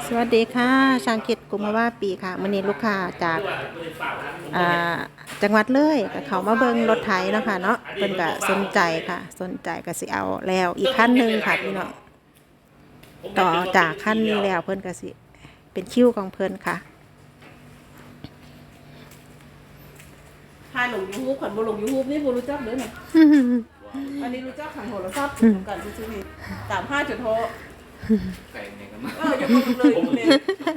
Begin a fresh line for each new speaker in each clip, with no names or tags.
สวัสดีค่ะช่างคิดกุมภาวะปีค่ะมื้อนี้ลูกค้าจากจังหวัดเลยก็เขามาเบิ่งรถไถเนาะค่ะเนาะเพิ่นก็สนใจค่ะสนใจก็สิเอาแล้วอีกคันหนึงค่ะพี่น้องต่อจากคันนี้แล้วเพิ่นก็สิเป็นคิวของเพิ่นค่ะ
ถ่ายลงยูทูบขันบ่ลงยูทูบนี่บ่รู้จักเลยนะอันนี้รู้จักขันโหราทรัพย์กันซื่อๆนี่35จุดโท
ไก่เนี่ยกันมา
อยู่คนเลยเนี่ย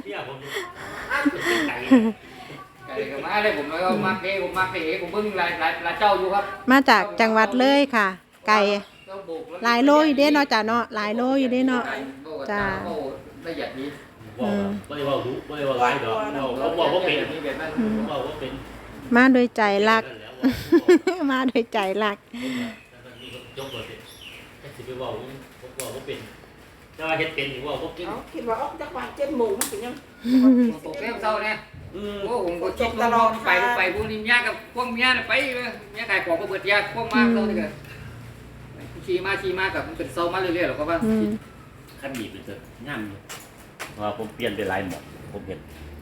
ไก่กันมาเลยผมแล้วก็มาเก๋ผมมาเก๋ผมเพิ่งลายเจ้าอยู่ครับ
มาจากจังหวัดเลยค่ะ ไก่หลายโลอยู่เด้เนาะจ้ะเนาะหลายโลอยู่เด้เนาะจ้า
ละเอียดนี้
ไม่ได้ว่ารู้ไม่ได้ว่าร้ายดอกเขาบอกว่าเป็นเขาบอกว่าเป็น
มาโดยใจรัก มาโดยใจรัก
จบหมดเลยแค่สิไปว่าว่าเป็นถ้าเฮ็ดเป็นหรือว่าเป็น
คิดว่าออกจากบ้าน7 โมงมันเป็นยัง
ตกแก้วเศร้าเนี่ยโอ้ผมก็คิดตลอดไปพวกนี้ยากับพวกเมียน่ะไปเมียขายของก็เบิดยาพวกมากเท่านี้กันขี่มากับมันเป็นเศร้ามาเรื่อยๆหรอกว่า
ขั้นดีเป็นเถอะง่ามเลยว่าผมเปลี่ยนไปหลายหมดผมเห็น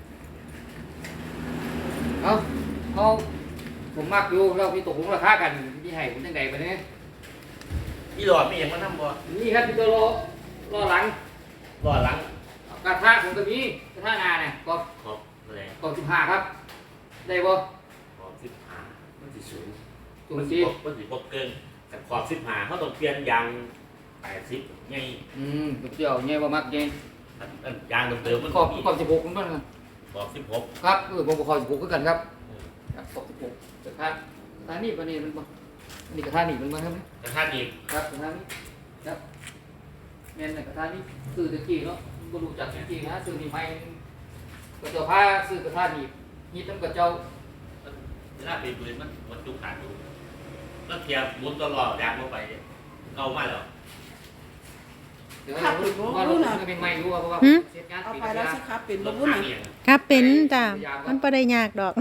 เขาผมมักอยู่เราพี่ตกลงราคากันพี่ให้ผมจังไดบัดนี้
พี่หลอดมีอย่างมาทำบ่
นี่ครับพี่ตัวรอหลังกระทะผมก็มีกระทะนาเนี่ยก็
ขอบอะไร
ขอบ15ครับได้บ่
ขอบ15มันสิสูง
มันสิ
บ่เกินแต่ขอบ15เขาต้องเปลี่ยนยาง80ไง
เดี๋ยวใหญ่บ่มักใหญ่
ยางเดิมๆมัน
ขอบ16มันบ่ครับ
ขอบ16
ครับผมก็ขอบ16คือกันครับขอบ16กระทะนี่ปานนี้มันบ่นี่กระทะนี่มันบ่ครับ
กระทะนี่
ครับกระทะนี่ครับแม่นกระทะนี่ซื้อตะกี้เนาะบ่รู้จักตะกี้นะซื้อนี่ใหม่ก็เจ้าพาซื้อกระทะนี่ฮิตนำกับเจ้า
เวลาไปปืนมันจุกขาดอยู่แล้วเทียบหมุนตลอดยางลงไปเอามาแล้ว
เดี๋ยวว่ารู้นะเป็นไม่รู้ว่าเพราะว่า
เอาไปแล้วสิครับเป็นบ่รู้น่ะ
ครับเป็นจ้ะมันบ่ได้ยากดอก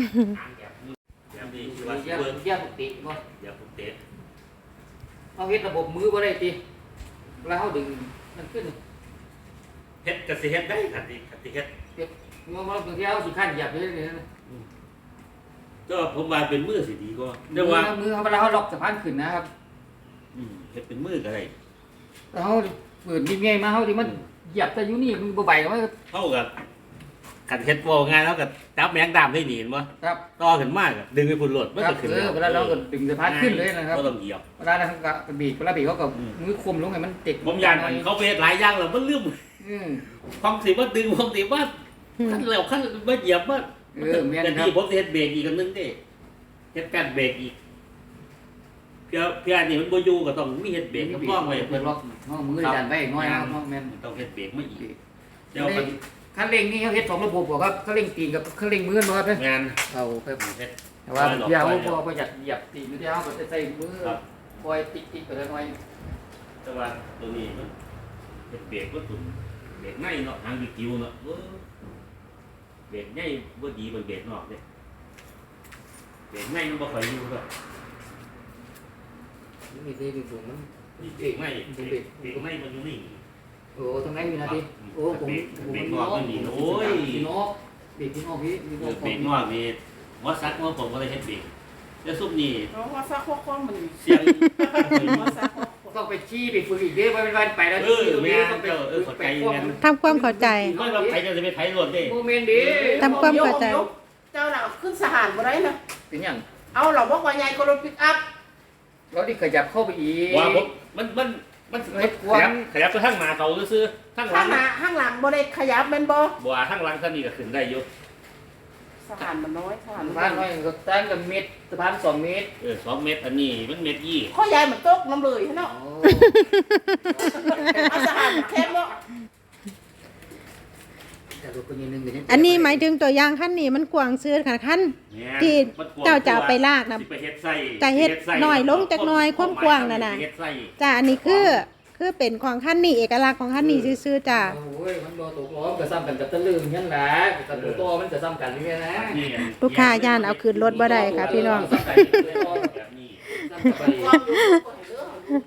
เสียปกติบ่
เดี๋ยวผมเตะ
เอาเฮ็ดระบบมือบ่ได้ติแล้วเฮาดึงมันขึ้น
เฮ็ดก็สิเฮ็ดได้คันสิเฮ็ด
มันบางทีเฮาสิคั่นเหยียบเลยนี่
ก็ผมว่าเป็นมือสิดีกว่า
เดี๋ยวว่ามือเวลาเฮาล็อกสะพานขึ้นนะครับ
เฮ็ดเป็นมือก็ได้
แล้วเฮาเปิดนี่ไงมาเฮาที่มันเหยียบแต่อยู่นี่มันบ่ไหวมัน
เท่ากับขันเฮ็ดบ่ง่ายแล้วก็จับแมงดามได้หนีบ่
ครับ
ต่อขึ้นมากดึงไปพุ่นรถมันก็ขึ้น
เวลาเราก็ดึงสะพานขึ้นเลยนะครับ
บ่ต้องเหยียบ
เวลานั้นก็บีบเวลาบีบเขาก็มือคุมลงให้มันติด
ผมย่านเขาไปเฮ็ดหลายอย่างแล้วมันลืมความสิว่าดึงความสิว่าขั้นแล้วขั้นบ่เหยียบบ่
แม่น
ครับผมสิเฮ็ดเบรกอีกอันนึงเด้เฮ็ดการเบรกอีกเพื่อนี่มันบ่อยู่ก็ต้องมีเฮ็ดเบรกกับล้อไว้
เพิ่นล็อกมือดันไว้น้อยนะแม่น
ต้องเฮ็ดเบรกมาอีก
เดี๋ยวคันเร่งนี่เขาเฮ็ด2ระบบบ่ครับคันเร่งตีนกับคันเร่งมือบ่ครับ
งาน
เอาครับแต่ว่าอย่าเอาบ่อยากเหยียบตีนอยู่ที่เฮาก็ใส่มือปล่อยติ๊กๆไปเลยหน่อย
แต่ว่าตัวนี้มันเฮ็ดเบรกบ่ตุ่มเบรกในเนาะทางดิคิวเนาะเบรกในบ่ดีกว่าเบรกนอกเด้เบรกในมันบ่ค่อยอยู่ดอก
มีที่ดูมัน
เบรกในมันอยู่นี่
โอ้ตรงไหนมีนาทีโอ้ผม
เบรกนอกมันนี่โอ้ย
พี่นกเบรกพี่นกพี่
เบรกนอกนี่ว่าซักว่าผมก็เลยเฮ็ดเบรกแล้วซุปนี่
ว่าซักข้อมัน
เสียง
ต้องไปชี้ไปฝึกอีกเด้อวันไปแล้ว
แม่ต้องไปเข้าใจกัน
ทำความเข้าใจ
ว่าเราไปจะไปไผรถเด้
โมเมนต์ดี
ทำความเข้าใจ
เจ้าน่ะขึ้นสหารบ่ได้นะ
เป็นหยัง
เอาเราบอกว่าใหญ่กว่ารถปิกอัพ
เราที่ขยับเข้าไปอีก
ว่ามันขยับไปข้างหน้าเขาซื่อ
ข้างหลังบ่ได้ขยับแม่นบ่
บ่ข้างหลังคันนี้ก็ขึ้นได้อยู่
สะพานมันน้อยสะพาน
น้อยก็ตั้งกันเมตรสะพาน2 เมตร
2 เมตรอันนี้มันเมตร20
ข้อใหญ่มันตกน้ำเลยเนาะเอาสะพานแคบเนาะ
อันนี้หมายถึงตัวอย่างขั้นนี้มันกว้างซื้อค่ะขั้นที่เจ้าจะไปลากนะจะเฮ็ดน้อยลงจากน้อยความกว้างน่ะจ้าอันนี้คือเป็นของขั้นนี้เอกลักษณ์ของขั้นนี้ซื่อๆจ้า
โอ้ยมันบ่ตกล้อมก็ซ้ำกันกับตะลึงนั่นแหละกับตัวมันจะซ้ำกันนี่นะ
ลูกค้าย่านเอาคืนรถบ่ได้ค่ะพี่น้อง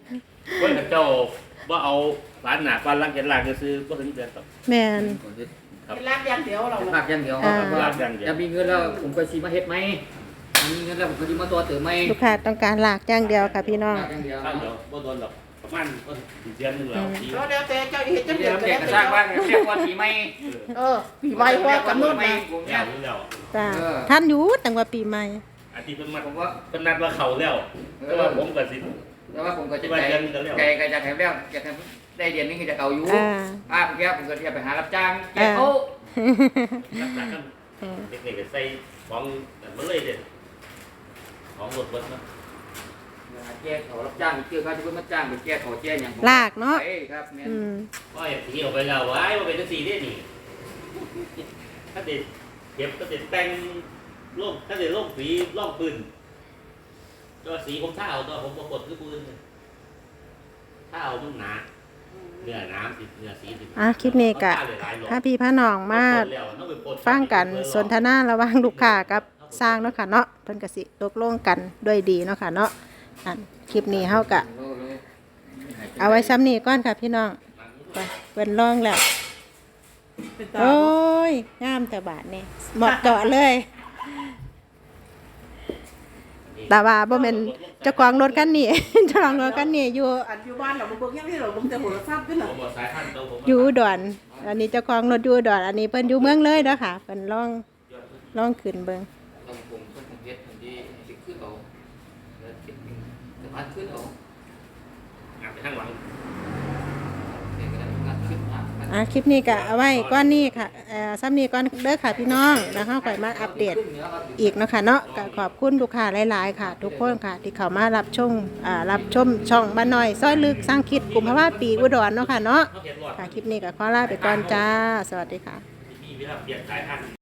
เพิ่นเจ้าว่าเอาฝานหน้าฝานหลังเฮ็ดลากซื่อบ่ถึงเดือน
แม่น
เป็นลากอย่างเดียวเรา
ภาคอย่างเดียว
ลากอย่างเดียว
จะมีเงินแล้วผมก็สิมาเฮ็ดไหมมีเงินแล้วผมก็สิมาตัวเติมไหม
ลูกค้าต้องการลากอย่างเดียวค่ะพี่น้อง
ภาคอย่างเดียว
ข้าวเดียวบ่โดนหรอกประมาณก็เดือนนึงแล้วปี
แล้วเดี๋ยวแต่เจ้าเห็นจัง
เดี๋
เดี
ย
ยว ว
เด็กก็สร้างบ้านเรียกว่าปีใหม่
ปีใหม่ว่ากำหนดนะ
ผม
แล้
เนี่ยว
จ้าท่านอยู่ตั้งว่าปีใหม่
อาทิตย์เพิ่นมา
ผมว่า
เพิ่นนัดว่าเขาแล้วแต่ว่าผมก็สิ
แล้วว่าผมก็จะไกลจากแถวแล้วจากได้เดือนนึงก็จะเก่าอยู่เมื่อกี้ผมก็จะไปหารับจ้างแก้โต๊ะ
รักษากันเด็กๆก็ใส่ของกันมาเลยเด้ของรถเบิดเนาะ
แก้เขารับจ้างเกี่ยวกับที่เพิ่นมาจ้างไปแก้เขาแก้หยัง
ลากเนาะ
ครับแม่
ก็อย่างที่เอาไปแล้วไว้ว่าเป็นจังซี่เด้นี่ถ้าเด็ดเก็บก็เด็ดแต่งโลกถ้าเด็ดโลกสีล่องปืนก็สีผมถ้าเอาตัวผมบ่กดคือปืนถ้าเอามันหนาเนื้อน้ำสิเนื้อสีสิ
คลิปนี้ก็พาพี่พาน้องมาฟังกันสนทนาระหว่างลูกค้ากับสร้างเนาะค่ะเนาะเพิ่นก็สิตกลงกันด้วยดีเนาะค่ะเนาะคลิปนี้เฮาก็เอาไว้ซ้ำนี้ก่อนค่ะพี่น้องไปเพิ่นลองแล้วโอ้ยงามแต่บาทนี่เหมาะเจาะเลยแต่ว่าบ่แม่นเจ้าของรถคันนี้ เจ้าของรถคันนี้อยู่
อันอยู่บ้านเราเบิ่งยังที่เราลงแต่โทรศัพท์ด้วยน่ะ
อยู่อุดรอันนี้เจ้าของรถอยู่อุดรอันนี้เพิ่นอยู่เมืองเลยเด้อค่ะเพิ่นลองขึ้นเบิ่ง
ต้องผมเฮ็ดทันทีขึ้นเอาแล้วคิดสามารถขึ้นเอา
งานไปข้างหลัง
เด็กก็ได้งานขึ้นมา
คลิปนี้ก็เอาไว้ก้อนนี้ค่ะซ้ำนี้ก้อนเด้อค่ะพี่น้องแล้วเฮาค่อยมาอัปเดตอีกเนาะค่ะเนาะก็ขอบคุณลูกค้าหลายๆค่ะ ทุกคนค่ะที่เข้ามารับชมช่องบ้านน้อยซอยลึกสร้างคิดกุมภาวะปีอุดรเนาะค่ะเนาะ
เขาเขียนรอด
ค่ะคลิปนี้ก็ขอลาไปก่อนจ้าสวัสดีค่ะ
มีเวลาเปลี่ยนสายพันธุ์